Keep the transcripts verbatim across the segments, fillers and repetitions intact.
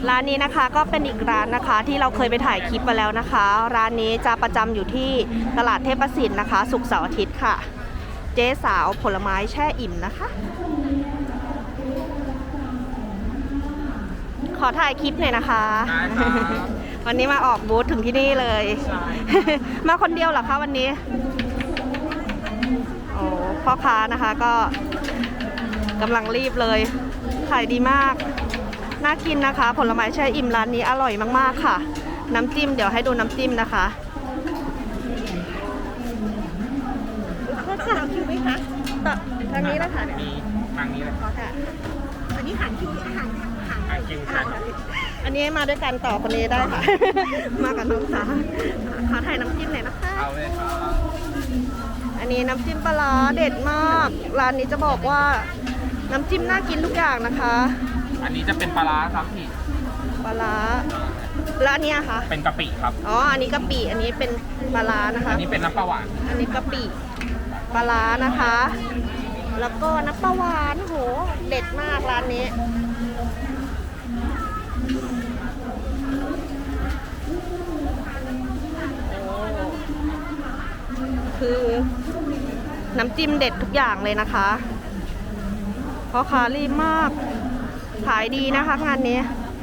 ร้านนี้นะคะก็เป็นอีกร้านนะคะที่เราเคยไปถ่ายคลิปมาแล้วนะคะ ร้านนี้จะประจำอยู่ที่ตลาดเทพสินนะคะศุกร์เสาร์อาทิตย์ค่ะ เจ๊สาวผลไม้แช่อิ่มนะคะ ขอถ่ายคลิปหน่อยนะคะวันนี้มาออกบูธถึงที่นี่เลยมาคนเดียวเหรอคะวันนี้โอ้พ่อค้านะคะก็กำลังรีบเลยขายดีมากน่ากินนะคะผลไม้แช่อิ่มร้านนี้อร่อยมากๆค่ะน้ำจิ้มเดี๋ยวให้ดูน้ำจิ้มนะคะก็ค่ะคิวไหมคะต่อทางนี้แล้วค่ะมีทางนี้เลยค่ะอันนี้หันคิวอาหารหันทางคิวใช่อันนี้มาด้วยกันต่อคนนี้ได้ค่ะ มากับน้องสาวขอถ่ายน้ำจิ้มหน่อยนะคะเอาเลยครับอันนี้น้ำจิ้มปลาร้าเด็ดมากร้านนี้จะบอกว่าน้ำจิ้มน่ากินทุกอย่างนะคะอันนี้จะเป็นปลาร้าครับพี่ปลาร้าแล้วอันนี้คะเป็นกะปิครับอ๋ออันนี้กะปิอันนี้เป็นปลาร้านะคะอันนี้เป็นน้ำปลาหวานอันนี้กะปิปลาร้านะคะแล้วก็น้ำปลาหวานโหเด็ดมากร้านนี้คือน้ำจิ้มเด็ดทุกอย่างเลยนะคะเพราะค้ารีบมากขายดีนะคะงานนี้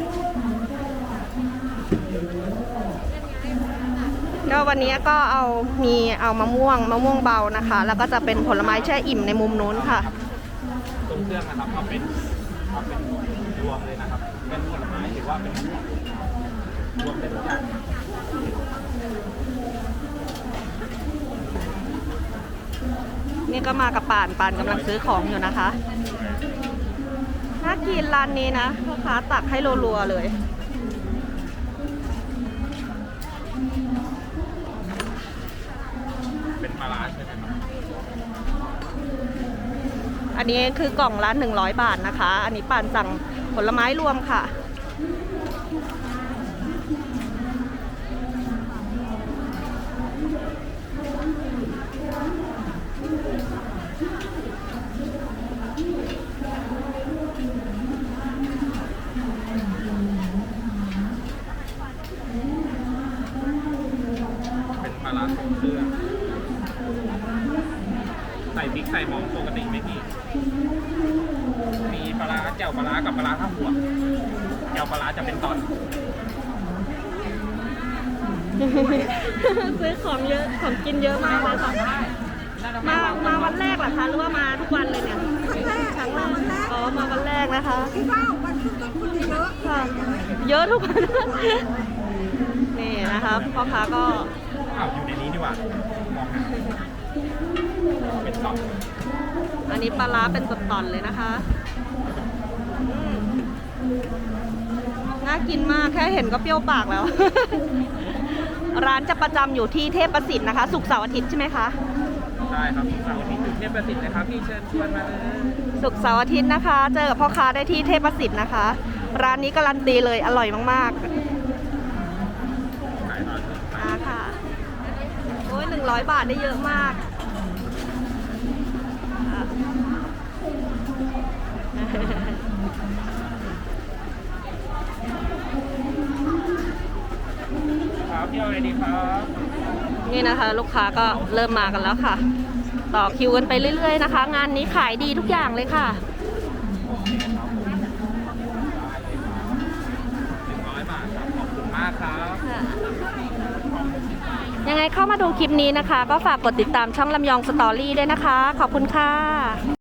ก็วันนี้ก็เอามีเอามะม่วงมะม่วงเบานะคะแล้วก็จะเป็นผลไม้แช่อิ่มในมุมนู้นค่ะตรงเครื่องนะครับเอาเป็นเอาเป็นรวมเลยนะครับเป็นผลไม้หรือว่าเป็นรวมเป็นทุกอย่างนี่ก็มากับป่านป่านกำลังซื้อของอยู่นะคะน่ากินร้านนี้นะพ่อค้าตักให้รัวๆเลยเป็นปลาร้าใช่ไหมครับอันนี้คือกล่องละหนึ่งร้อยบาทนะคะอันนี้ป่านสั่งผลไม้รวมค่ะปลาร้าทรงเครื่องใส่พริกใส่หอมปกติไหมพี่มีปลาร้าแจ่วปลาร้ากับปลาร้าข้าวหัวแจ่วปลาร้าจะเป็นตอนซื้อของเยอะของกินเยอะมากเลยค่ะมามาวันแรกเหรอคะหรือว่ามาทุกวันเลยเนี่ยครั้งแรกอ๋อมาวันแรกนะคะที่ว่าวันทุกคนเยอะค่ะเยอะทุกวันนี่นะคะพ่อค้าก็อ้าวอยู่ในนี้ดีกว่ามองหาเป็นตอนอันนี้ปลาร้าเป็นตอนๆเลยนะคะน่ากินมากแค่เห็นก็เปรี้ยวปากแล้ว ร้านจะประจำอยู่ที่เทพประสิทธิ์นะคะศุกร์เสาร์อาทิตย์ใช่ไหมคะใช่ครับศุกร์เสาร์อาทิตย์อยู่เทพประสิทธิ์นะครับพี่เชิญชวนมาเลยศุกร์เสาร์อาทิตย์นะคะเจอกับพ่อค้าได้ที่เทพประสิทธิ์นะคะร้านนี้การันตีเลยอร่อยมากๆอ่าค่ะโอ้ยหนึ่งร้อยบาทได้เยอะมากครับเที่ยวอะไรดีครับนี่นะคะลูกค้าก็เริ่มมากันแล้วค่ะต่อคิวกันไปเรื่อยๆนะคะงานนี้ขายดีทุกอย่างเลยค่ะหนึ่งร้อยบาทครับขอบคุณมากครับยังไงเข้ามาดูคลิปนี้นะคะก็ฝากกดติดตามช่องลำยองสตอรี่ด้วยนะคะขอบคุณค่ะ